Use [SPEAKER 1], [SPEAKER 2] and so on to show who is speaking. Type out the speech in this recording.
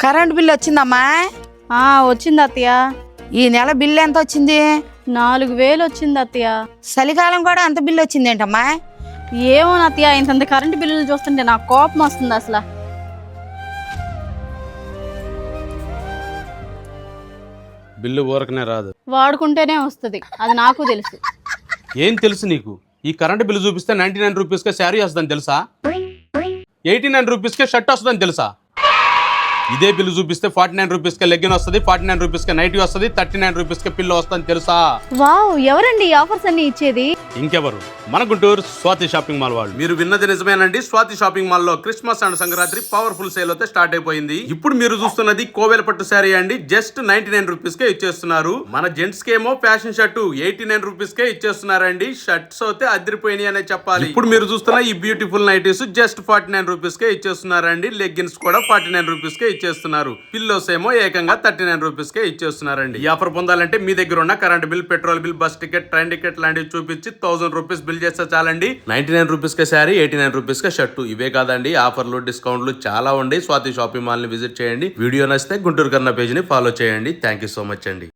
[SPEAKER 1] Current bill వచ్చిందమ్మా?
[SPEAKER 2] వచ్చింది అత్తయ్య.
[SPEAKER 1] ఈ నెల బిల్లు ఎంత వచ్చింది?
[SPEAKER 2] 4000 వచ్చింది అత్తయ్య.
[SPEAKER 1] చలికాలం కూడా అంత బిల్లు వచ్చింది ఏంటమ్మా?
[SPEAKER 2] ఏమో అత్తయ్య, ఇంత కరెంటు బిల్లులు చూస్తుంటే నాకు కోపం వస్తుంది అసలు.
[SPEAKER 3] బిల్లు ఊరకనే రాదు,
[SPEAKER 2] వాడుకుంటేనే వస్తుంది, అది నాకు తెలుసు.
[SPEAKER 3] ఏం తెలుసు నీకు? ఈ కరెంట్ బిల్లు చూపిస్తే 99 రూపీస్కే శారీ వస్తుందని తెలుసా? 89 రూపీస్కే షర్ట్ వస్తుందని తెలుసా? ఇదే బిల్లు చూపిస్తే 49 రూపీస్కే లెగ్గిన్ వస్తుంది, 49 రూపీస్కే నైటీ వస్తుంది, 39 రూపీస్కే పిల్లో వస్తుందని తెలుసా?
[SPEAKER 2] వావ్, ఎవరండి ఈ ఆఫర్స్ అన్ని ఇచ్చేది?
[SPEAKER 3] ఇంకెవరు, మన గుంటూరు స్వాతి షాపింగ్ మాల్ వాళ్ళు. మీరు విన్నది నిజమేనండి. స్వాతి షాపింగ్ మాల్ లో Christmas and Sankranti powerful sale అయితే స్టార్ట్ అయిపోయింది. ఇప్పుడు మీరు చూస్తున్నది కోవెల పట్టు శారీ అండి. జస్ట్ 99 రూపీస్ కే ఇచ్చేస్తున్నారు. మన జెంట్స్ కేమో ఫ్యాషన్ షర్ట్ 89 రూపీస్ కే ఇచ్చేస్తున్నారండి. షర్ట్స్ అయితే అదిరిపోయినాయి అనే చెప్పాలి. ఇప్పుడు మీరు చూస్తున్న ఈ బ్యూటిఫుల్ నైటీస్ జస్ట్ 49 రూపీస్ కే ఇచ్చేస్తున్నారండి. లెగ్గిన్స్ కూడా 49 రూపీస్ కే ఇచ్చేస్తున్నారు. పిల్లోస్ ఏమో ఏకంగా 39 రూపీస్ కే ఇచ్చేస్తున్నారండి. ఈ ఆఫర్ పొందాలంటే మీ దగ్గర ఉన్న current bill, petrol bill, bus ticket, train ticket లాంటివి చూపించి 1000 రూపీస్ బిల్ చేస్తే చాలండి. 99 రూపీస్ కే శారీ, 89 రూపీస్ కే షర్టు. ఇవే కాదండి, ఆఫర్లు, డిస్కౌంట్లు చాలా ఉండి స్వాతి షాపింగ్ మాల్ ని విజిట్ చేయండి. వీడియో నచ్చితే గుంటూరు కన్నా పేజ్ ని ఫాలో చేయండి. థ్యాంక్ యూ సో మచ్ అండి.